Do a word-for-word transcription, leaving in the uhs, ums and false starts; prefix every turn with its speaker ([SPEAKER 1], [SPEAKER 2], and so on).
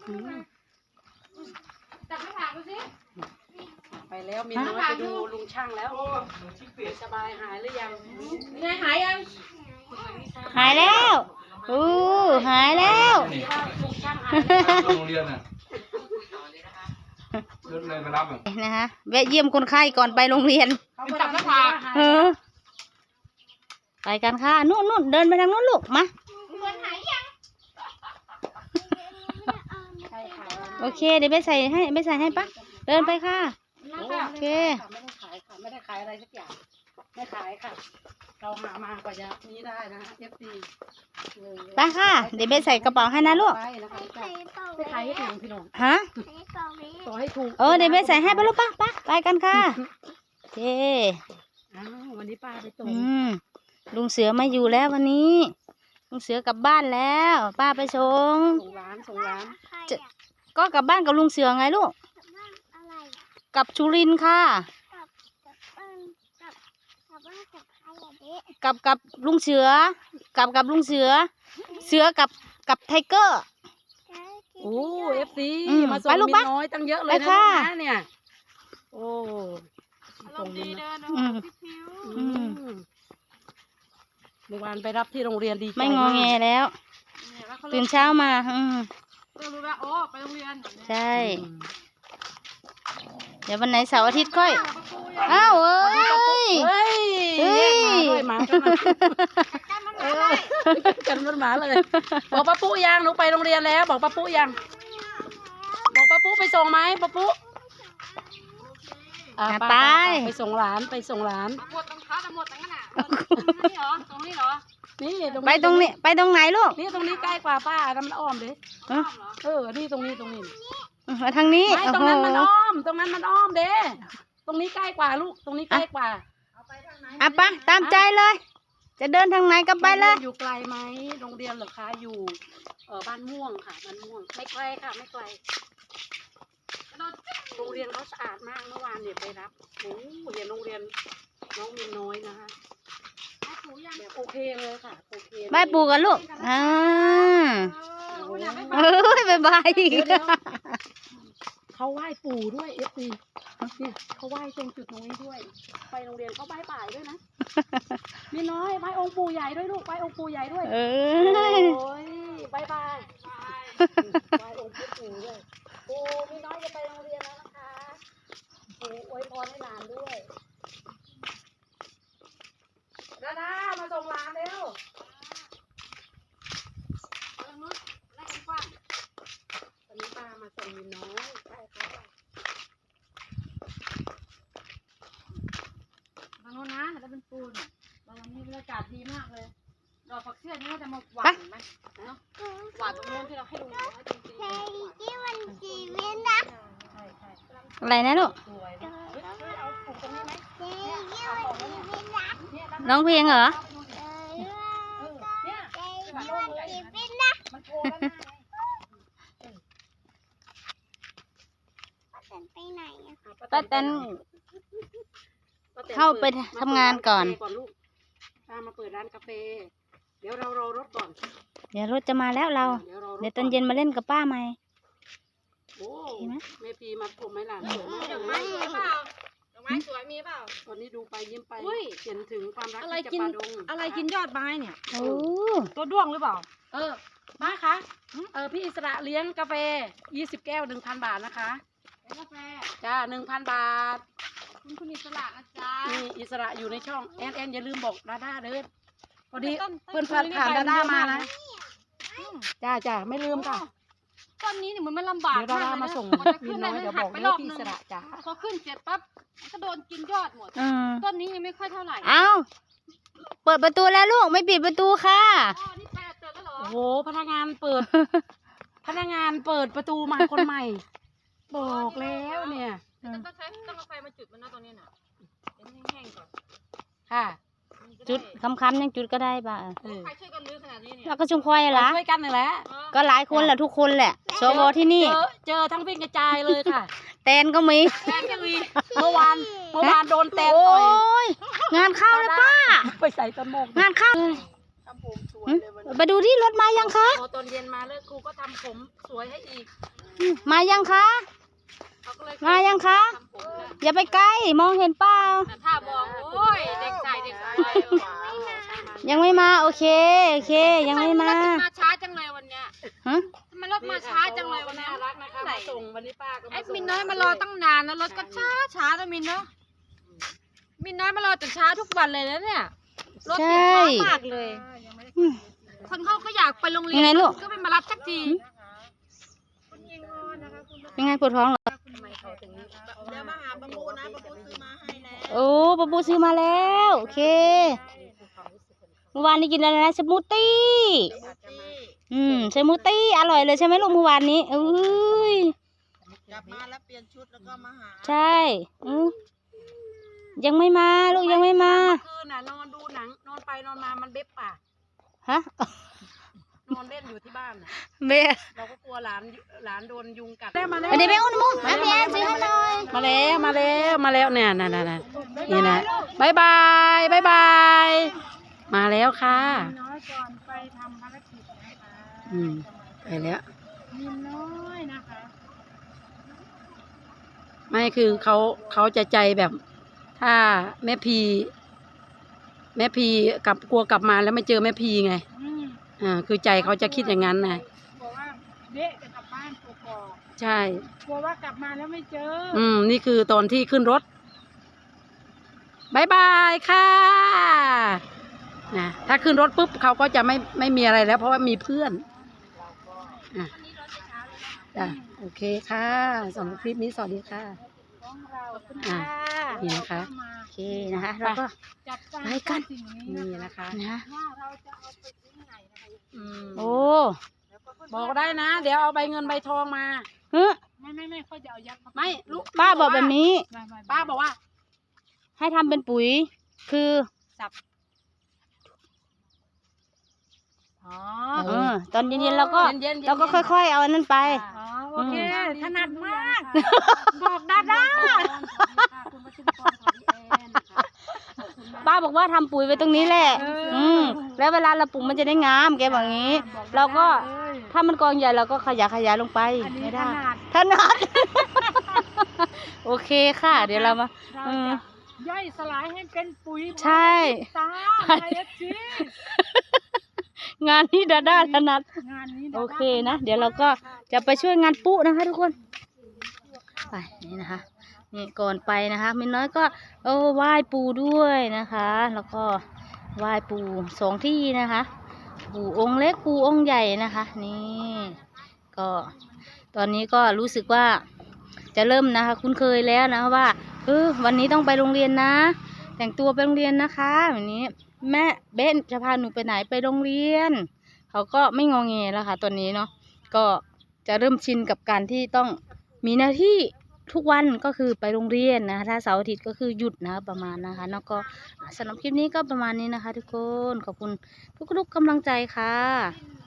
[SPEAKER 1] จับไม่ผ่านดูสิ
[SPEAKER 2] ไปแล้วมีน้อยไปดูลุงช่างแล้วสบายหายหรือยัง
[SPEAKER 1] ไงหายยัง
[SPEAKER 3] หายแล้วอู้หายแล้ว
[SPEAKER 4] โรงเรียนน่ะเดินเลยไปรับอ่ะ
[SPEAKER 3] นะคะแวะเยี่ยมคนไข้ก่อนไปโรงเรียน
[SPEAKER 1] จับไม่ผ่าน
[SPEAKER 3] เออไปกันค่ะนู่นนู่นเดินไปทางนู้นลูกมาโอเคเดี๋ยวไปใส่ให้ไปใส่ให้ปะเดินไปค่ะโอเค
[SPEAKER 2] ไม่ได้ขายค่ะไม่ได้ขายอะไรสักอย่างไม่ขายค่ะเราหามากว่าจะนี้ได้นะเอฟซี
[SPEAKER 3] ไปค่ะเดี๋ยวไปใส่กระเป๋าให้นะลูก
[SPEAKER 2] ไปขายให้ถูกพี่น้อง
[SPEAKER 3] ฮะ
[SPEAKER 2] ต่อให้ถูก
[SPEAKER 3] เออเดี๋ยวไปใส่ให้ไปลูกปะปะไปกันค่ะโอเค
[SPEAKER 2] อ้าววันนี้ป้าไปส่ง
[SPEAKER 3] อืมลุงเสือไม่อยู่แล้ววันนี้ลุงเสือกลับบ้านแล้วป้าไปส่ง
[SPEAKER 2] ส่งร้านส่งร้าน
[SPEAKER 3] ก็กลับบ้านกับลุงเสือไงลูกกับชูรินค่ะกับกับลุงเสือกับกับลุงเสือเสือกับกับไทเกอร์
[SPEAKER 2] โอ้เอฟซีมาส่งมินน้อยตั้งเยอะเลยนะเนี่ยโอ้ส่งมินเมื่อวานไปรับที่โรงเรียนดีใจ
[SPEAKER 3] ไม่งอแงแล้วตื่นเช้ามาอืม
[SPEAKER 1] ก็รู้แล้วโอ้ไปโรงเรียน
[SPEAKER 3] ใช่เดี๋ยววันไหนเสาร์อาทิตย์ค่อยอ้าวเอ้ย
[SPEAKER 2] เฮ้ยเฮ้ยหมากันมากันมันหมาเลยบอกป้าปุ๊ยังหนูไปโรงเรียนแล้วบอกป้าปุ๊ยังบอกป้าปุ๊ไปส่งไหมป้าปุ๊
[SPEAKER 3] ไป
[SPEAKER 2] ไปส่งหลานไปส่งหลาน
[SPEAKER 1] หมดตรงขาหมดตรงนั้นอ่ะนี่เหรอตรงนี้เหรอ
[SPEAKER 2] นี่
[SPEAKER 3] ไปตรงนี้ไปตรงไหนลูก
[SPEAKER 2] นี่ตรงนี้ใกล้กว่าป้าทำอ้อมดิเออนี่ตรงนี้ตรงนี้
[SPEAKER 3] มาทางนี้
[SPEAKER 2] ไม่ตรงนั้นมันอ้อมตรงนั้นมันอ้อมเด้ตรงนี้ใกล้กว่าลูกตรงนี้ใกล้กว่า
[SPEAKER 3] อ่ะไปตามใจเลยจะเดินทางไหนก็ไปเลย
[SPEAKER 2] อยู่ไกลไหมโรงเรียนเหรอคะอยู่เออบ้านม่วงค่ะบ้านม่วงไม่ไกลค่ะไม่ไกลโรงเรียนเขาสะอาดมากเมื่อวานเนี่ยไปรับโอ้เรียนโรงเรียนน้องมินน้อยนะคะแบบโอเคเลยค่ะโอเค
[SPEAKER 3] บายปู่กันลูกอ่าเอ้ยบายบาย
[SPEAKER 2] เขาไหว้ปู่ด้วยเอฟซีเนี่ยเขาไหว้ตรงจุดตรงนี้ด้วยไปโรงเรียนเขาไหว้ป่ายด้วยนะมินน้อยไหว้องค์ปู่ใหญ่ด้วยลูกไหว้องค์ปู่ใหญ่ด้วย
[SPEAKER 3] เอ
[SPEAKER 2] อโอ้ยบายบายไหว้องค์ปู่ด้วยปู่มินน้อยจะไปโรงเรียนแล้วนะคะปู่อวยพรให้หลานด้วยดาดามาส่งหลานเร็วตอนนี้ป้ามาส่งมินน้อยใช่ค่ะ
[SPEAKER 1] ทางโน้นนะแล้วเป็นปูนตอนนี้บรรยากาศดีมากเลยดอกผักเสี้ยนี่ก็จะมาหวานไหมเนาะหวานตรงโน้นที่เราให้ดูจริงๆ
[SPEAKER 3] ที่มันจีเวนนะอะไรนะลูกร้องเพลงเหรอป้าแตนเข้าไปทำงานก่อน
[SPEAKER 2] ป้ามาเปิดร้านกาแฟเดี๋ยวเรารอรถก่อน
[SPEAKER 3] เดี๋ยวรถจะมาแล้วเราเดี๋ยวตอนเย็นมาเล่นกับป้าไหม
[SPEAKER 2] โอ้แม่พีมาผมไหมล่ะสวยมากเลย
[SPEAKER 1] ดอกไม้สวยมีเปล่า
[SPEAKER 2] ตอนนี้ดูไปยิ้มไปเห็นถึงความรักที่จะปาดง
[SPEAKER 1] อะไรกินยอดไม้เนี่ย
[SPEAKER 3] โอ้
[SPEAKER 1] ตัวด้วงหรือเปล่า
[SPEAKER 2] เออมาคะเออพี่อิสระเลี้ยงกาแฟยี่สิบแก้วหนึ่งพันบาทนะคะ
[SPEAKER 1] กาแฟ
[SPEAKER 2] จ้าหนึ่งพันบาท
[SPEAKER 1] คุณคุณอิสระนะจ๊ะ
[SPEAKER 2] นี่อิสระอยู่ในช่องแอนแอนอย่าลืมบอกดาด้าเด้อพอดีเพื่อนผ่านผ่านดาด้ามานะจ้าจ้าไม่ลืมค่ะ
[SPEAKER 1] ต้นนี้เนี่ยมันไม่ลำบาก
[SPEAKER 2] เดี๋ยวดาด้ามาส่งมินน้อยเดี๋ยวบอกเรื่องพี่อิสระจ้า
[SPEAKER 1] พอขึ้นเสร็จปั๊บก็โดนกินยอดหมดต้นนี้ยังไม่ค่อยเท่าไหร่
[SPEAKER 3] เอาเปิดประตูแล้วลูกไม่ปิดประตูค่ะ
[SPEAKER 1] อ๋อนี่แปดเจอแล้วเหรอ
[SPEAKER 2] โอ้โหพนักงานเปิดพนักงานเปิดประตูมาคนใหม่บอกแล้วเนี่ย
[SPEAKER 1] ต้องใช้ต้องเอาไฟมาจุดมันนะตรงนี้น่ะแห้งๆก่อน
[SPEAKER 2] ค่ะ
[SPEAKER 3] จุดคำคำยังจุดก็ได้ป่ะ
[SPEAKER 1] ใครช่วยกันลื้อขนาดนี้เนี่ย
[SPEAKER 3] เราก็ชุมพลอยละ
[SPEAKER 2] ช่วยกันเลยแหละ
[SPEAKER 3] ก็หลายคนแหละทุกคนแหละสวที่นี่
[SPEAKER 2] เจอเจอทั้งวิ่งกระจายเลยค่ะ
[SPEAKER 3] แตนก็มี
[SPEAKER 1] แตนก็มี
[SPEAKER 2] เมื่อวานเมื่อวานโดนแตนต่อย
[SPEAKER 3] งานเข้าเลยป้า
[SPEAKER 2] ไปใส่ตะโมก
[SPEAKER 3] งานเข้าหึไปดูที่รถมายังคะ
[SPEAKER 2] พอตอนเย็นมาแล้วครูก็ทำผมสวยให้อีก
[SPEAKER 3] มายังคะ
[SPEAKER 2] เขาก็เลย
[SPEAKER 3] มายังคะ
[SPEAKER 2] ทำผมแล้ว
[SPEAKER 3] อย่าไปใกล้มองเห็นเปล่า
[SPEAKER 2] แต่ถ้ามองโอ้ยเด็กชายเด็กชาย
[SPEAKER 3] ยังไม่มาโอเคโอเคยังไม่มา
[SPEAKER 2] มาช้าจังเลยวันเนี้ย
[SPEAKER 3] ฮะ
[SPEAKER 1] ทำไมรถมาช้าจังเลยวันนี้
[SPEAKER 2] น่ารักนะคะมาส่งวันนี้ป้าก็
[SPEAKER 1] ไอ้
[SPEAKER 2] มาส่ง
[SPEAKER 1] มินน้อยมารอตั้งนานนะรถก็ช้าช้าแล้วมินเนาะมินน้อยมารอจนช้าทุกวันเลยนะเนี่ยรถติดช้ามากเลย
[SPEAKER 3] อืม
[SPEAKER 1] คนเขาก็อยากไปโรงเรียน
[SPEAKER 3] ยังไงลูก
[SPEAKER 1] ก็ไม่มารับสักที
[SPEAKER 3] เป็นไงปวดท้องเหรอ
[SPEAKER 2] เดี๋ยวมาหาประมูนะประมูซื้อมาให้แล้ว
[SPEAKER 3] โอ้ปะปูซื้อมาแล้วโอเคเมื่อวานนี้กินอะไรนะสมูทตี้อืมสมูทตี้อร่อยเลยใช่ไหมลูกเมื่อวานนี้อุ้ย
[SPEAKER 2] กลับมาแล้วเปลี่ยนชุดแล้วก็มาหา
[SPEAKER 3] ใช่อือยังไม่มาลูกยังไม่มา
[SPEAKER 2] เมื่อคืนน่ะนอนดูหนังนอนไปนอนมามันเบ็บปาก
[SPEAKER 3] ฮะ
[SPEAKER 2] นอนเล่นอยู่ที่บ้านน่ะ
[SPEAKER 3] เบะ
[SPEAKER 2] เราก็กลัวหลานหลานโดนยุงกัดได้มาแล้ว
[SPEAKER 3] อันนี้เป็นอุ้นมุกมาพี่แอนซื้อให้หน่อย
[SPEAKER 2] มาแล้วมาแล้วมาแล้วเนี่ยน่ะน่ะน่ะนี่นะบายบายบายบายมาแล้วค่ะ
[SPEAKER 1] น้อยก่อนไปทำภารกิจนะคะ
[SPEAKER 2] อืมไปแล้ว
[SPEAKER 1] มินน้อยนะคะ
[SPEAKER 2] ไม่คือเขาเขาจะใจแบบ ถ้าแม่พีแม่พีกลับกลัวกลับมาแล้วไม่เจอแม่พีไง
[SPEAKER 1] อืม
[SPEAKER 2] อ่าคือใจเขาจะคิดอย่างนั้นนะ
[SPEAKER 1] บอกว่าเด็กจะกลับบ้านกกอก
[SPEAKER 2] ใช่
[SPEAKER 1] กลัวว่ากลับมาแล้วไม่เจอ
[SPEAKER 2] อืมนี่คือตอนที่ขึ้นรถบายบายค่ะนะถ้าขึ้นรถปุ๊บเขาก็จะไม่ไม่มีอะไรแล้ว เพราะว่ามีเพื่อนอ่ะจ้ะโอเคค่ะสำหรับคลิปนี้สวัสดีค่ะ
[SPEAKER 1] ของเรา
[SPEAKER 2] อ่ะนี่นะคะ
[SPEAKER 1] มา
[SPEAKER 3] โอเคนะคะแล้วก็
[SPEAKER 1] จัดการ
[SPEAKER 3] ไปกัน
[SPEAKER 1] สิ่งนี้
[SPEAKER 2] นี่
[SPEAKER 1] นะ
[SPEAKER 2] นะคะ
[SPEAKER 3] นะ
[SPEAKER 1] ว่าเราจะเอาไปที่ไหนนะคะ
[SPEAKER 2] อืม
[SPEAKER 3] โอ้
[SPEAKER 2] บอกได้นะ เดี๋ยวเอาใบเงินใบทองมา
[SPEAKER 3] เฮ้ย
[SPEAKER 1] ไม่ไม่ไม่ค่อยจะเอายัดเข้าป
[SPEAKER 2] ไม่ลูก
[SPEAKER 3] ป้าบอกแบบนี้
[SPEAKER 1] ไม่ไม่ไม่
[SPEAKER 2] ป้าบอกว่า
[SPEAKER 3] ให้ทำเป็นปุ๋ย คือ
[SPEAKER 1] อ๋อ
[SPEAKER 3] เออตอนเย็นๆเราก็
[SPEAKER 2] เย็นๆ
[SPEAKER 3] เราก็ค่อยๆเอาอันนั้นไป
[SPEAKER 1] อ๋อโอเคถนัดมาก บอกดาด้า
[SPEAKER 3] ป้าบอกว่าทำปุ๋ยไว้ตรงนี้แหละ อืมแล้วเวลาเราปลูกมันจะได้งาม แกบอกอย่างนี้ เราก็ถ้ามันกองใหญ่เราก็ขยายขยายลงไป
[SPEAKER 1] อันนี้
[SPEAKER 3] ไม่
[SPEAKER 1] ถ
[SPEAKER 3] ได้
[SPEAKER 1] นัด
[SPEAKER 3] ถนัด โอเคค่ะ เดี๋ยวเรามา
[SPEAKER 1] เรา
[SPEAKER 3] เออ
[SPEAKER 1] จะย่อยสลายให้เป็นปุ๋ย
[SPEAKER 3] ใช่
[SPEAKER 1] ตาไอเอฟจี
[SPEAKER 3] งานนี้ดาด้าถนัด
[SPEAKER 1] งานนี้
[SPEAKER 3] โอเคนะ เดี๋ยวเราก็จะไปช่วยงานปุ๊นะคะทุกคน ไปนี่นะคะ นี่ก่อนไปนะคะมินน้อยก็เออไหว้ปู่ด้วยนะคะ แล้วก็ไหว้ปู่สองที่นะคะ ปู่องค์เล็กปู่องค์ใหญ่นะคะ นี่ก็ตอนนี้ก็รู้สึกว่าจะเริ่มนะคะ คุ้นเคยแล้วนะว่าเออวันนี้ต้องไปโรงเรียนนะ แต่งตัวไปโรงเรียนนะคะแบบนี้ แม่เบนจะพาหนูไปไหนไปโรงเรียน เขาก็ไม่งอแงแล้วค่ะตอนนี้เนาะก็จะเริ่มชินกับการที่ต้องมีหน้าที่ทุกวันก็คือไปโรงเรียนนะคะถ้าเสาร์อาทิตย์ก็คือหยุดนะประมาณนะคะแล้วก็สำหรับคลิปนี้ก็ประมาณนี้นะคะ ทุกคนขอบคุณทุกๆกำลังใจค่ะ